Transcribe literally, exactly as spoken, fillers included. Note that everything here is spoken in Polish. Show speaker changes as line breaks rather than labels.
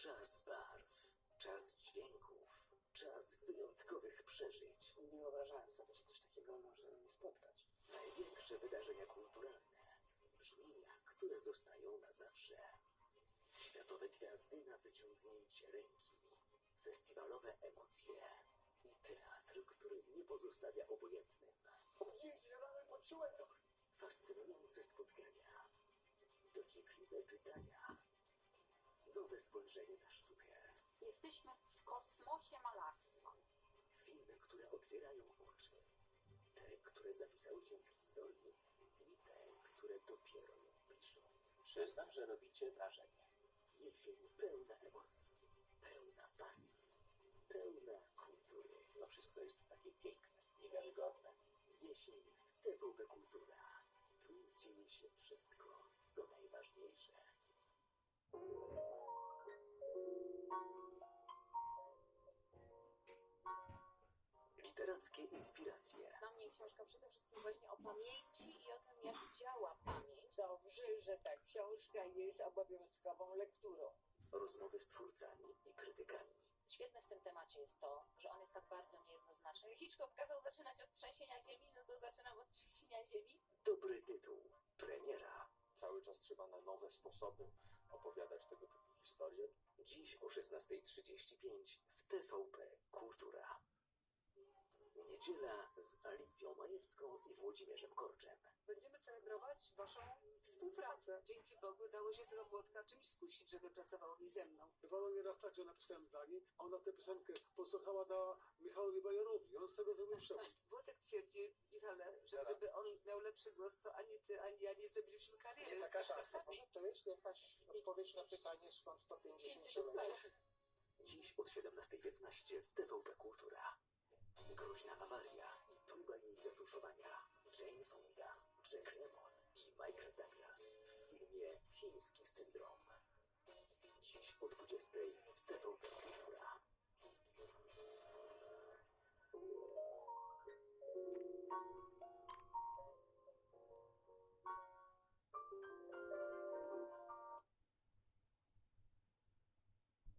Czas barw, czas dźwięków, czas wyjątkowych przeżyć.
Nie wyobrażałem sobie, że coś takiego może mnie spotkać.
Największe wydarzenia kulturalne, brzmienia, które zostają na zawsze. Światowe gwiazdy na wyciągnięcie ręki, festiwalowe emocje i teatr, który nie pozostawia obojętnym.
Obudziłem się rano i poczułem to.
Fascynujące spotkania, dociekliwe pytania, nowe spojrzenie na sztukę.
Jesteśmy w kosmosie malarstwa.
Filmy, które otwierają oczy. Te, które zapisały się w historii i te, które dopiero ją piszą.
Przyznam, że robicie wrażenie.
Jesień pełna emocji, pełna pasji, pełna kultury.
No wszystko jest takie piękne, niewiarygodne.
Jesień w T V P Kultura. Tu dzieje się wszystko, co najważniejsze. Literackie inspiracje.
Dla mnie książka przede wszystkim właśnie o pamięci i o tym, jak działa pamięć.
Dobrze, że ta książka jest obowiązkową lekturą.
Rozmowy z twórcami i krytykami.
Świetne w tym temacie jest to, że on jest tak bardzo niejednoznaczny. Hitchcock kazał zaczynać od trzęsienia ziemi, no to zaczynam od trzęsienia ziemi.
Dobry tytuł. Premiera.
Cały czas trzeba na nowe sposoby opowiadać tego typu historie.
Dziś o szesnasta trzydzieści pięć w T V P Kultura. Niedziela z Alicją Majewską i Włodzimierzem Korczem.
Będziemy celebrować waszą współpracę. Dzięki Bogu dało się tego Włodka czymś skusić, żeby pracował mi ze mną.
Bywało nieraz tak, że napisałem dla niej, a ona tę piosenkę posłuchała, dała Michałowi Bajorowi. On z tego zrobił przewód.
Włodek twierdzi, Michale, że gdyby on miał lepszy głos, to ani ty, ani ja nie zrobiliśmy kariery.
Jest taka szansa. Może to jest jakaś odpowiedź na pytanie, skąd to pięćdziesiąt
pięćdziesiąt
lat?
lat.
Dziś od siedemnasta piętnaście w T V P Kultura. Groźna awaria i próba jej zatuszowania. Jane Fonda, Jack Lemmon i Michael Douglas w filmie Chiński syndrom. Dziś o dwudziestej w T V